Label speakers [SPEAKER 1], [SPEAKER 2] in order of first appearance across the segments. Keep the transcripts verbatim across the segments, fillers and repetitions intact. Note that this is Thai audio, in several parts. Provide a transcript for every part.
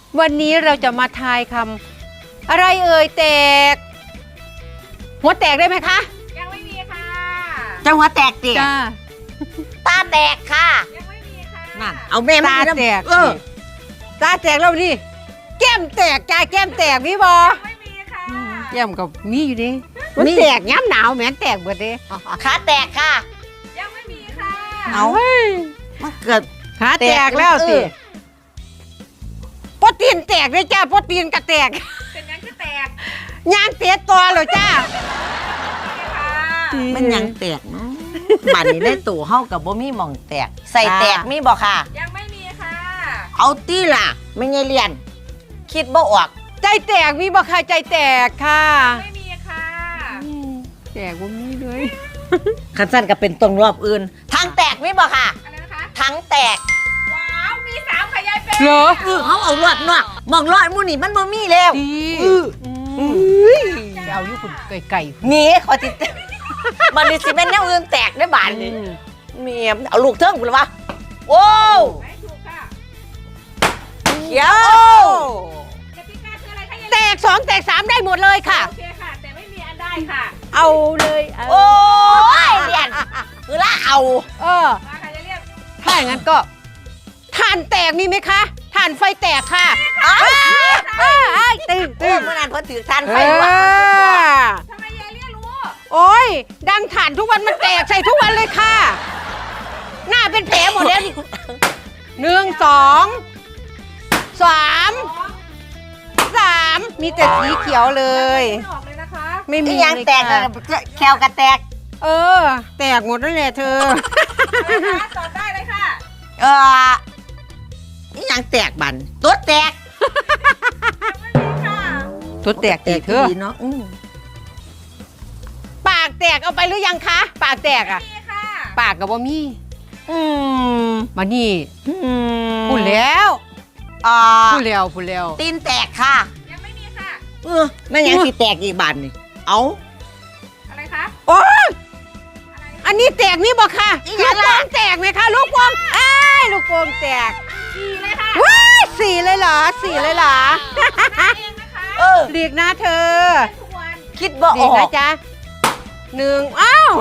[SPEAKER 1] วันนี้เราจะมาทายคำอะไรเอ่ยแตกหัวแตกได้ไหมคะ
[SPEAKER 2] ยังไม่มีค่ะ
[SPEAKER 3] จังหวะแตกเตี๋ย
[SPEAKER 1] จ้า
[SPEAKER 3] ตาแตกค่ะ
[SPEAKER 2] ยังไม่มีค่ะ
[SPEAKER 3] นั่นเอาแม่
[SPEAKER 1] ตาแตก
[SPEAKER 3] เออ
[SPEAKER 1] ตาแตกแล้วนี่แก้มแตกจ้าแก้มแตกพี่บอ
[SPEAKER 2] ยังไม่มีค่ะ
[SPEAKER 1] แก้มกับมีอยู่ดิมันแตกย้ำหนาวแหมนแตกหมดเลย
[SPEAKER 3] ขาแตกค่ะ
[SPEAKER 2] ยังไม่มีค่ะ
[SPEAKER 3] เอามันเกิด
[SPEAKER 1] ขาแตกแล้วสิ
[SPEAKER 3] เออ
[SPEAKER 1] โปรตีนแตกเลยจ้าโปรตีนก็แตก
[SPEAKER 2] เป็นยังจะแตก
[SPEAKER 1] ยางเตะตัวเลยจ้า
[SPEAKER 2] ค่ะ
[SPEAKER 3] มันยังแตกเนาะบัดนี้ได้ตู่เฮากับบ่มีหม่องแตก ใส่แตกมีบ่ค่ะ
[SPEAKER 2] ยังไม่มีค่ะ
[SPEAKER 3] เอาตี้ล่ะไม่ไงเรียน คิดบ่ออก
[SPEAKER 1] ใจแตกมีบ่ค่ะใจแตกค่ะ
[SPEAKER 2] ไม่มีค่ะ
[SPEAKER 1] แตกว่ามีเลย
[SPEAKER 3] คันสั้นก็เป็นตรงรอบอื่นทางแตกมีบ่ค่ะ
[SPEAKER 2] อะไรนะคะ
[SPEAKER 3] ทางแตก
[SPEAKER 2] ว้าวมีสามค่ะยายเป็น
[SPEAKER 1] เหรอ
[SPEAKER 3] เออเขาเอารอดนอกหม่องรอดหมู่นี่มันบ่มีแล้ว
[SPEAKER 1] ดี
[SPEAKER 3] เออ
[SPEAKER 1] จะเอาอยู่คุณไก่
[SPEAKER 3] หนีขอติด มันนี่สิแม่นแนวอื่นแตกได้บาดนี่เมียเอาลูกเทิงพุ่นละวะโอ้ว
[SPEAKER 2] ไม่ถูกค่ะ
[SPEAKER 3] เขียว
[SPEAKER 2] กติกาคืออะไรคะยาย
[SPEAKER 1] แตกสองแตกสามได้หมดเลยค่ะ
[SPEAKER 2] โอเคค่ะ แต่ไม่มีอันได้ค่ะ
[SPEAKER 1] เอาเลยเอา
[SPEAKER 3] โอ้ยเรียนคือละเอา
[SPEAKER 1] เออ
[SPEAKER 2] มาค่ะยายเรียก
[SPEAKER 1] ถ้าอย่างนั้นก็ถ่านแตกมีไหมคะถ่านไฟแตกค่ะ
[SPEAKER 3] อ้าว
[SPEAKER 1] เอ้ยเอ้ยตึง
[SPEAKER 3] เอ
[SPEAKER 1] ตึ
[SPEAKER 3] อง เมื่อนั้นเพิ่นถือทานไฟ
[SPEAKER 1] เอ
[SPEAKER 3] ว่ะ
[SPEAKER 1] อ
[SPEAKER 2] ทำไมยายเรียกรู้
[SPEAKER 1] โอ้ยดังถ่านทุกวันมันแตกใส่ทุกวันเลยค่ะ หน้าเป็นแผลหมดแล้วนี่หนึ่งสองสามสามมีแต่สีเขียวเลย
[SPEAKER 2] ไม่ออกเลยนะคะ
[SPEAKER 1] ไม่มี
[SPEAKER 3] อีหยัง
[SPEAKER 1] เลย
[SPEAKER 3] แตก
[SPEAKER 1] ค่ะ
[SPEAKER 3] แควกระแตก
[SPEAKER 1] เออ แตกหมดนั่นแหละเธอ
[SPEAKER 2] นะคะตอบได้เลยค่ะ
[SPEAKER 3] เอออีหยังแตกบันตัวแตก
[SPEAKER 2] ไม่มีค่ะ
[SPEAKER 1] ตัวแตกแตกเธอ
[SPEAKER 3] ดีเนาะอืม
[SPEAKER 1] ปากแตกเอาไปหรือยังคะ ปากแตกอ่ะ
[SPEAKER 2] มีค่ะ
[SPEAKER 1] ปากกับว่ามี
[SPEAKER 3] อืม
[SPEAKER 1] มานี่
[SPEAKER 3] อืม
[SPEAKER 1] พูดแล้ว
[SPEAKER 3] อ่า
[SPEAKER 1] พูดแล้วพูดแล้ว
[SPEAKER 3] ตีนแตกค่ะ
[SPEAKER 2] ยังไม่มีค่ะ
[SPEAKER 3] เออแม่นยังสิแตกอีกบานนี่เอา
[SPEAKER 2] อะไรคะ
[SPEAKER 1] โอ้ย
[SPEAKER 2] อะไร
[SPEAKER 1] อันนี้แตกนี่บอกค่ะ
[SPEAKER 3] อี
[SPEAKER 1] ลู
[SPEAKER 3] หยั
[SPEAKER 1] ก
[SPEAKER 3] ง
[SPEAKER 1] โป่
[SPEAKER 3] ล่ะ
[SPEAKER 1] งแตกไหมคะลูกโป่งเอ้ยลูกโป่งแตก
[SPEAKER 2] สี่เลยค่ะ
[SPEAKER 1] ว้ายสี่เลยเหรอสี่เลยเหรอ
[SPEAKER 2] นับเองนะคะ
[SPEAKER 3] เออ
[SPEAKER 1] หลีกนะเธอ
[SPEAKER 2] ทุกวัน
[SPEAKER 3] คิดบ่
[SPEAKER 1] ห
[SPEAKER 3] อ
[SPEAKER 1] ลีก
[SPEAKER 3] อ
[SPEAKER 1] นะ
[SPEAKER 3] ก
[SPEAKER 1] จ๊ะหนึ่งอ้าว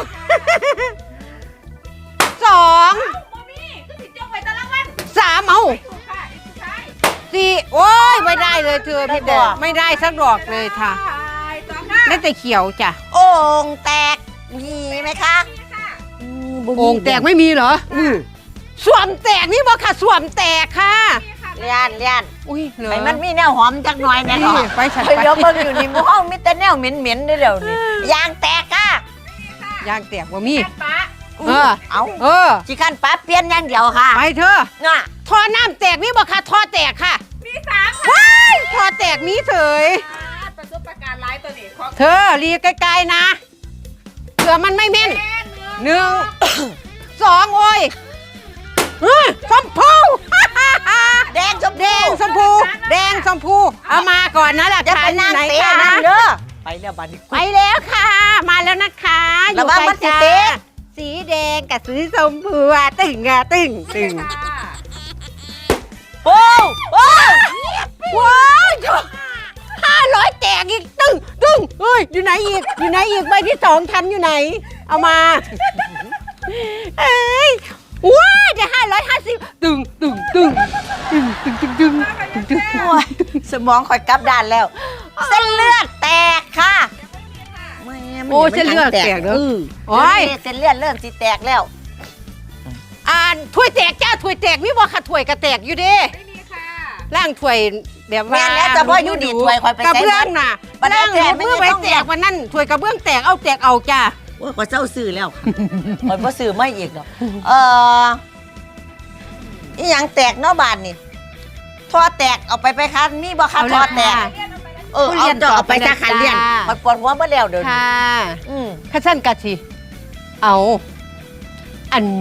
[SPEAKER 1] สอง
[SPEAKER 2] เอ้าโมมี่คือสิจงไว้ตารางวัน
[SPEAKER 1] สามเอา
[SPEAKER 2] ถูกค่ะอีกสุดท้าย
[SPEAKER 1] สี่โอ้ยไม่ได้เลยเธอพี่แดงไม่ได้สักดอกเลยค่ะ
[SPEAKER 2] สองค่ะ
[SPEAKER 1] ได้แต่เขียวจ้ะ
[SPEAKER 3] โอ่งแตกมีไหมคะ
[SPEAKER 2] มีค่ะ
[SPEAKER 1] โอ่งแตกไม่มีเหรออืมสวมแตกนี่บอกค่ะสวมแตกค่ะ
[SPEAKER 2] มีค่ะ
[SPEAKER 3] เลียนเลียน
[SPEAKER 1] อุ้ยเหรอ
[SPEAKER 3] ไอ้มันมีแนวหอมจักหน่อยแน่
[SPEAKER 1] นี่
[SPEAKER 3] เนาะ
[SPEAKER 1] ไปฉัน
[SPEAKER 3] เฮ้ย
[SPEAKER 1] ไป
[SPEAKER 3] เดี๋ยวเบิ่งอยู่นี่หมู่ห้องมีแต่แนวเหม็นๆเด้อเดี๋ยวนี้ยางแตกค่ะ
[SPEAKER 1] ยางแตกว่ามี
[SPEAKER 2] แม่ป้า
[SPEAKER 1] เออ
[SPEAKER 3] เอา
[SPEAKER 1] เออ
[SPEAKER 3] สิคันปั๊บเปลี่ยนอย่างเดียวค่ะ
[SPEAKER 1] ไปเธอ
[SPEAKER 3] น่ะ
[SPEAKER 1] ท่อน้ำแตกนี่บอกค่ะท่อแตกค่ะ
[SPEAKER 2] มีสามค่ะ
[SPEAKER 1] ว้ายท่อแตกมีเฉย
[SPEAKER 2] ประสบการณ์ร้ายตัวนี้ขอ
[SPEAKER 1] เธอรีไกลๆนะเผื่อมันไม่แม่น
[SPEAKER 2] แค่หนึ่ง
[SPEAKER 1] หนึ่งสองโอ้ยเฮ้ยชมพู
[SPEAKER 3] แดงชม
[SPEAKER 1] แดงชมพูแดงชมพูเอามาก่อนนะหลัก
[SPEAKER 3] จะ
[SPEAKER 1] ฐา
[SPEAKER 3] ไป
[SPEAKER 1] น
[SPEAKER 3] นั่ง
[SPEAKER 1] ไหน
[SPEAKER 3] เตะ
[SPEAKER 1] คะ
[SPEAKER 3] นั่งเด้อไปแล้วบัดนี้
[SPEAKER 1] ไปแล้วค่ะ มาแล้วนะคะอ
[SPEAKER 3] ระ
[SPEAKER 1] ยู่
[SPEAKER 3] วัง
[SPEAKER 1] ไกล
[SPEAKER 3] มันสิ
[SPEAKER 1] จ้า
[SPEAKER 3] เตะ
[SPEAKER 1] สีแดงกับสีชมพูอะตึงอะตึงตึง
[SPEAKER 2] ค่ะ
[SPEAKER 3] โอ้โอ้
[SPEAKER 1] ว้าวห้าร้อยแตกอีกตึงตึงเฮ้ยอยู่ไหนอีกอยู่ไหนอีกใบที่สองทันอยู่ไหน เอามาเอ้ยว้าจะห้าร้อยห้าสิบตึงตึงตึงตึงตึงตึงตึงตึงตึง
[SPEAKER 3] โอ้ยสมองคอยกลับด้านแล้ว เส้นเลือดแตกค่ะแม่มัน
[SPEAKER 1] โอ้เส้นเลือดแตกเนอะ
[SPEAKER 3] ออ
[SPEAKER 1] โอ้ย
[SPEAKER 3] เดี๋วนี้เส้นเลือดเริ่มสิแตกแล้ว
[SPEAKER 1] อ่านถ้วยแตกจ้าถ้วยแตกมีบ่ค่ะถ้วยกระแตกอยู่เด้
[SPEAKER 2] ไม่มีค่ะ
[SPEAKER 1] ล่างถ้วยแบบว่า
[SPEAKER 3] แม่นแล้วแต่พ่ออยู่ดีถ้วยคอยไป
[SPEAKER 1] กระ
[SPEAKER 3] ใส่
[SPEAKER 1] เบื้องน่ะ
[SPEAKER 3] บัดนี้
[SPEAKER 1] ล่าง
[SPEAKER 3] แตก
[SPEAKER 1] เมื่อ
[SPEAKER 3] ไม่
[SPEAKER 1] ไป
[SPEAKER 3] ต้อง
[SPEAKER 1] แตกวันนั้นถ้วยกระเบื้องแตกเอาแตกเอาจ้า
[SPEAKER 3] โอ้ยขอเจ้าซื้อแล้วขอยบ่ซื้อไม่อีกหรอกเอออีหยังแตกเนาะบานนี่ท่อแตกเอาไปไปค่ะนี่บ่ค่ะท่อแตก
[SPEAKER 2] เรียนเอาไปเลย
[SPEAKER 3] เออเอาเจาะเอาไปซะค่ะเลี้ยนมันปวดหัวมาแล้วเดี๋ยวนี้
[SPEAKER 1] ค่ะ
[SPEAKER 3] อืม
[SPEAKER 1] ข้าสั้นกะสิเอาอัน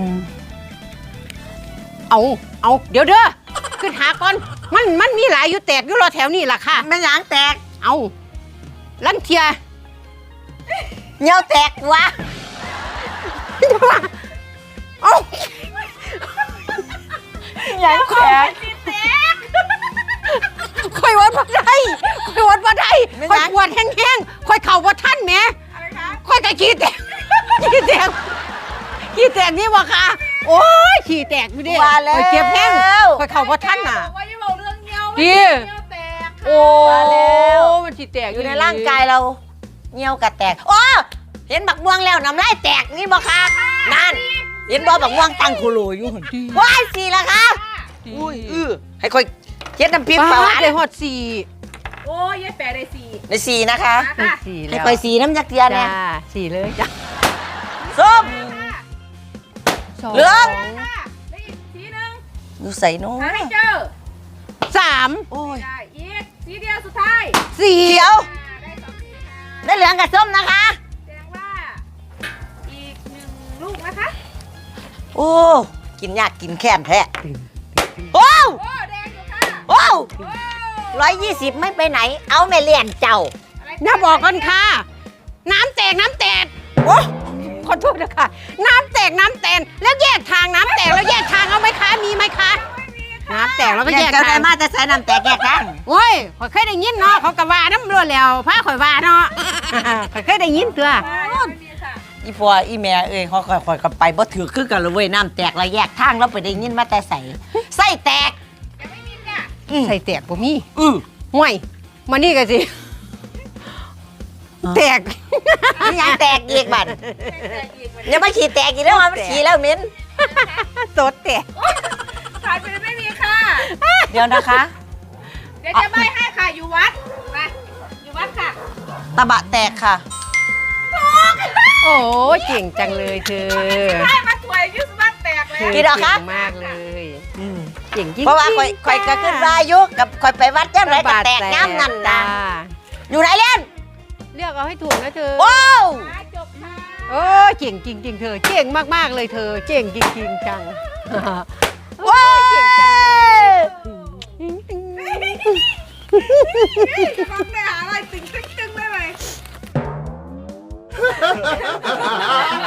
[SPEAKER 1] เอาเอาเดี๋ยวเด้อขึ้นหาก่อนมันมันมีหลายอยู่แตกอยู่รอแถวนี่ล่ะค่ะ
[SPEAKER 3] แม่หยังแตก
[SPEAKER 1] เอาลังเทีย
[SPEAKER 3] เหนียวแตกวะ
[SPEAKER 1] เอา
[SPEAKER 3] หยังแตก
[SPEAKER 2] ติดแตก
[SPEAKER 1] ปวดแห้งๆค่อยเข่าว่าท่านแหม่
[SPEAKER 2] อะไรคะ
[SPEAKER 1] ค่อยกะขี้แตก ขี้แตกขี้แตกนี่วะค่ะ โอ้ยขี้แตกอยู่ดิ
[SPEAKER 3] ว่าแล้ว
[SPEAKER 1] ค่อยเจ็บแห้งค่อยเข่าว่าท่านน่ะ
[SPEAKER 2] บอกว่าอย่าบอกเรื่องเงี้ยว
[SPEAKER 1] ดี
[SPEAKER 2] เงี้ยวแตกค่ะ
[SPEAKER 1] โอ้
[SPEAKER 3] ว่าแล้ว
[SPEAKER 1] มันขี้แตก
[SPEAKER 3] อยู่ในร่างกายเราเงี้ยวกระแตกโอ้เห็นบักม่วงแล้วน้ำลายแตกนี่บ่คะนั่นเห็นบ่บักม่วงตั้งโคโลอยู่หั่นว้ายสี่ละคะ อุ้ยอื้อให้ค่อยเฮ็ดน้ำพริกปลาหวาน
[SPEAKER 1] ได้ฮอดสี่
[SPEAKER 2] โอ้ยยายแปะได้สี่
[SPEAKER 3] ในสี่นะคะ
[SPEAKER 2] มาค่ะ
[SPEAKER 1] สี่
[SPEAKER 3] ให้
[SPEAKER 1] แล้ว
[SPEAKER 3] ค่อยสีน้ำยักษ์เทียน
[SPEAKER 1] จ้า
[SPEAKER 3] เนี่ย
[SPEAKER 1] สี่เลยจ้า
[SPEAKER 3] ส้ม
[SPEAKER 1] สอง
[SPEAKER 3] เหลือง
[SPEAKER 2] ค่ะได้อีกสีหนึ่ง
[SPEAKER 3] อยู่ใส่น้อ
[SPEAKER 2] หาให้เจอ
[SPEAKER 1] สาม
[SPEAKER 3] โอ้ย
[SPEAKER 2] ได้อีกสีเดียวสุดท้าย
[SPEAKER 1] สี่
[SPEAKER 3] เขียว
[SPEAKER 2] อ่าได้สองสีค่ะ
[SPEAKER 3] ได้เหลืองกับส้มนะคะ
[SPEAKER 2] แสดงว่าอีกหนึ่งลูกนะคะ
[SPEAKER 3] โอ้กินยากกินแค้นแท้โอ้
[SPEAKER 2] โอ้แดงอยู่ค่ะ
[SPEAKER 3] โอ้
[SPEAKER 2] โอ้
[SPEAKER 3] ร้อยยี่สิบไม่ไปไหน เอาแม่เลี้ยนเจ้า
[SPEAKER 2] อะไร
[SPEAKER 1] อย่าบอกกันค่ะ น้ำแตกน้ำแตก
[SPEAKER 3] โอ้
[SPEAKER 1] ขอโทษนะคะน้ำแตกน้ำแตนแล้วแยกทางน้ำแตกแล้วแยกทางเอาไหมคะมีไหมคะ
[SPEAKER 2] ไม่มีค่ะ
[SPEAKER 1] น้ำแตกแล้วก็
[SPEAKER 3] แย
[SPEAKER 1] แย
[SPEAKER 3] ก
[SPEAKER 1] ก
[SPEAKER 3] เจ้าได้
[SPEAKER 1] ทาง
[SPEAKER 3] มาจะใส่น้ำแตกแยกกัน
[SPEAKER 1] โอ้ยข่อยเคยได้ยินเนาะเขากะว่าน้ำรวดแล้วพาข่อยว่าเนาะ ข่อยเคยได้ยินตัว
[SPEAKER 2] ไม่มีค่ะ
[SPEAKER 3] อีพ่ออีแม่เอ้ยเขาค่อยๆกันไปบ่ถือคือกันเลยเว้ยน้ำแตกแล้วแยกทางแล้วไปได้ยินมาแต่ใส่ไส้แตก
[SPEAKER 2] ยังไม่มีค่ะ
[SPEAKER 3] อืม
[SPEAKER 1] ใส่แตกบ่มี
[SPEAKER 3] อือ
[SPEAKER 1] ห่วยมานี่กันสิ
[SPEAKER 3] อ๋อ
[SPEAKER 1] แตก
[SPEAKER 3] นี่ยังแตกอีกบัด
[SPEAKER 2] แตกอีกวัน
[SPEAKER 3] อย่ามาขี่แตกอีกแล้วมันขี่แล้วเหม็น
[SPEAKER 1] สดแตก
[SPEAKER 2] ขายไปเลยไม่มีค่ะ
[SPEAKER 3] เดี๋ยวนะคะ
[SPEAKER 2] เดี๋ยวจะใบให้ค่ะอยู่วัดมาอยู่วัดค่ะ
[SPEAKER 3] ตะบะแตกค่ะ
[SPEAKER 1] โอ้ยเก่งจังเลยเธอ
[SPEAKER 2] ได้มาสวยยุสวัดแตกเลย
[SPEAKER 1] เธอ
[SPEAKER 3] กี่ดอกคะ
[SPEAKER 1] เก่งมากเลยเก่งจริงๆ
[SPEAKER 3] เพราะว่าคอยคอยก็ขึ้นวาอยุกับคอยไปวัดย่ำไรก็แตกน้ำนั่นนะ
[SPEAKER 1] จ้า
[SPEAKER 3] อยู่ไหนเล่น
[SPEAKER 1] เลือกเอาให้ถูกนะเธอ
[SPEAKER 3] โอ้ว
[SPEAKER 2] มาจบค่ะ
[SPEAKER 1] โอ้ยเก่งจริงๆเธอเก่งมากๆเลยเธอเก่งจริงๆจัง
[SPEAKER 3] ว้าว
[SPEAKER 2] ลองไปหาอะไรตึงตึงตึงได้ไหม